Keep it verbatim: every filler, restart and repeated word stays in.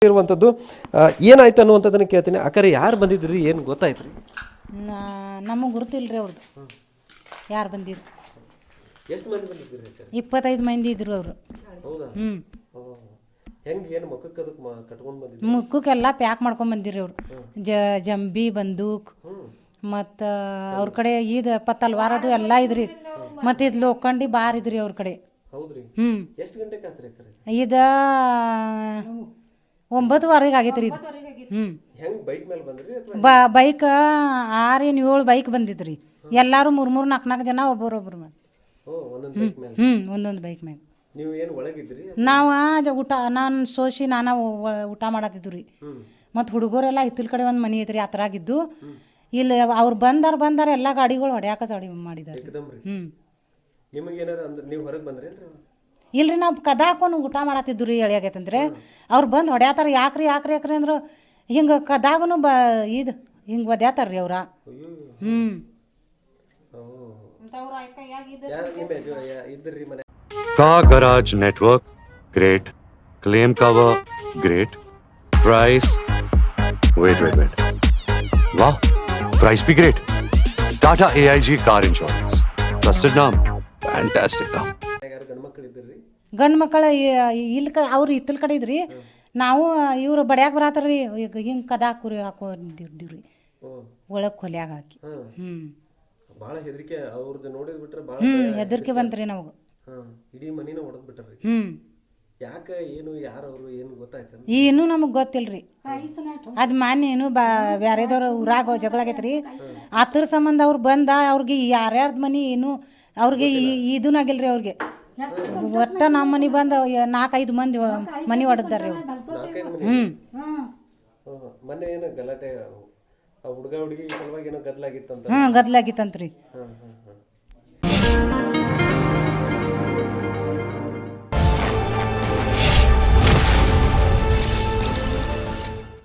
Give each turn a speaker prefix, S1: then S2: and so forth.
S1: ಇರುವಂಥದ್ದು ಏನಾಯ್ತು ಅನ್ನುವಂಥದ್ದನ್ನು ಕೇಳ್ತೀನಿ. ಅಕ್ಕರೆ ಯಾರು ಬಂದಿದ್ರಿ, ಏನು ಗೊತ್ತಾಯ್ತು ರೀ?
S2: ನಮಗೆ ಗುರುತಿಲ್ರಿ ಅವ್ರದ್ದು ಯಾರು ಬಂದಿದ್ರು.
S1: ಎಷ್ಟು ಮಂದಿ ಬಂದಿದ್ರಿ?
S2: ಇಪ್ಪತ್ತೈದು ಮಂದಿ ಇದ್ರು ಅವರು.
S1: ಹೌದಾ?
S2: ಹ್ಞೂ
S1: ಹೆಂಗೆ ಏನು ಮುಖಕ್ಕೆ ಅದಕ್ಕೆ ಕಟ್ಕೊಂಡು ಬಂದಿದ್ರು?
S2: ಮುಖಕ್ಕೆಲ್ಲ ಪ್ಯಾಕ್ ಮಾಡ್ಕೊಂಡು ಬಂದಿರಿ ಅವರು. ಜ ಜಂಬಿ ಬಂದೂಕ್ ಮತ್ತು ಅವ್ರ ಕಡೆ ಇದು ಪತ್ತಲ್ವಾರದು ಎಲ್ಲ ಇದ್ರಿ. ಮತ್ತು ಇದು ಲೋಖಂಡಿ ಬಾರ್ ಇದ್ರಿ ಅವ್ರ ಕಡೆ.
S1: ಹೌದ್ರಿ?
S2: ಹ್ಞೂ
S1: ಎಷ್ಟು ಗಂಟೆಗೆ ಆತ್ರಿ ಅಕ್ಕರೆ?
S2: ಇದು ಒಂಬತ್ತುವರೆಗೆ ಆಗೈತೆ ರೀ ಇದು. ಹ್ಞೂ
S1: ಹೆಂಗೆ ಬೈಕ್ ಮೇಲೆ ಬಂದ್ರಿ?
S2: ಬ ಬೈಕ್ ಆರು ಏನು ಏಳು ಬೈಕ್ ಬಂದಿದ್ರಿ. ಎಲ್ಲರೂ ಮೂರು ಮೂರು ನಾಲ್ಕು ನಾಲ್ಕು ಜನ ಒಬ್ಬರೊಬ್ರು ಮೇಲೆ.
S1: ಓ, ಒಂದೊಂದು ಬೈಕ್ ಮೇಲೆ?
S2: ಹ್ಞೂ ಒಂದೊಂದು ಬೈಕ್ ಮ್ಯಾಗ.
S1: ನೀವು ಏನು ಒಳಗಿದ್ರಿ?
S2: ನಾವು ಊಟ ನಾನು ಸೋಸಿ ನಾನು ಊಟ ಮಾಡತ್ತಿದ್ದು ರೀ. ಮತ್ತು ಹುಡುಗರೆಲ್ಲ ಹಿತ್ತಲ ಕಡೆ ಒಂದು ಮನೆ ಐತ್ರಿ, ಆ ಥರ ಆಗಿದ್ದು. ಇಲ್ಲಿ ಅವ್ರು ಬಂದಾರ ಬಂದಾರ ಎಲ್ಲ ಗಾಡಿಗಳು ಹೊಡ್ಯಾಕ ಚಾಡಿ ಮಾಡಿದಾರೆ. ಹ್ಞೂ
S1: ನಿಮಗೆ ಏನಾರು ಅಂದ್ರೆ ನೀವು ಹೊರಗೆ ಬಂದ್ರಿ?
S2: ಇಲ್ರಿ ನಾವು ಕದ ಹಾಕೊಂಡು ಊಟ ಮಾಡತ್ತಿದ್ದು ರೀ. ಎಳಿಯಾಗೈತಂದ್ರೆ ಅವ್ರು ಬಂದು ಹೊಡ್ಯಾತಾರ. ಯಾಕ್ರಿ ಯಾಕ್ರಿ ಯಾಕ್ರಿ ಅಂದ್ರೆ ಹಿಂಗೆ ಕದಾಗೂ ಬ ಇದು ಹಿಂಗೆ ಒದ್ಯಾತಾರ ರೀ ಅವ್ರ. ಹ್ಞೂ
S3: Car Garage Network, great. Claim cover, great. Price, wait, wait, wait. Wow, price be great. Tata A I G Car Insurance. Trusted name, fantastic name.
S2: ಗಂಡು ಮಕ್ಕಳು ಇಲ್ಲಿ ಕ ಅವ್ರು ಹಿತ್ತಲ ಕಡೆ ಇದ್ರಿ. ನಾವು ಇವರು ಬಡ್ಯಾಕ ಬರತ್ತಾರ ರೀ. ಈಗ ಹಿಂಗೆ ಕದ ಹಾಕುರಿ ಹಾಕೊಂಡಿದ್ದೀವಿ ರೀ ಒಳಗೆ ಕೊಲ್ಯಾಗ ಹಾಕಿ. ಹ್ಞೂ
S1: ಭಾಳ ಹೆದರಿಕೆ ಅವ್ರದ್ದು ನೋಡಿದ್ ಬಿಟ್ರೆ ಭಾಳ
S2: ಹ್ಞೂ ಹೆದರಿಕೆ ಬಂತ್ರಿ ನಮಗೆ.
S1: ಇಡೀ ಮನಿನ ಹೊಡೆದ್ ಬಿಟ್ಟಾರ್ರಿ.
S2: ಹ್ಞೂ
S1: ಯಾಕೆ ಏನು ಯಾರು ಅವರು ಏನು ಗೊತ್ತಾಯ್ತು?
S2: ಏನೂ ನಮಗೆ ಗೊತ್ತಿಲ್ರಿ. ಅದು ಮಾನ್ಯ ಏನು ಬಾ ಬ್ಯಾರೆದವ್ರು ಊರಾಗ ಜಗಳ ಆಗೈತೆ ರೀ. ಅದ್ರ ಸಂಬಂಧ ಅವ್ರು ಬಂದ ಅವ್ರಿಗೆ ಯಾರ್ಯಾರ್ದು ಮನೆ ಏನು ಅವ್ರಿಗೆ ಇದೂ ಆಗಿಲ್ರಿ. ಅವ್ರಿಗೆ ಒಟ್ಟ ನಮ್ಮ ಮನೆ ಬಂದು ನಾಲ್ಕೈದು ಮಂದಿ ಮನೆ ಹೊಡೆದಾರೆ ಅವ್ರು. ಹ್ಞೂ
S1: ಮೊನ್ನೆ ಏನು ಗಲಾಟೆ ಹುಡುಗ ಹುಡುಗಿ ಸಲುವಾಗಿ ಏನೋ ಗದ್ದಲಾಗಿತ್ತಂತ?
S2: ಹ್ಞೂ ಗದ್ದಲಾಗಿತ್ತಂತ್ರಿ.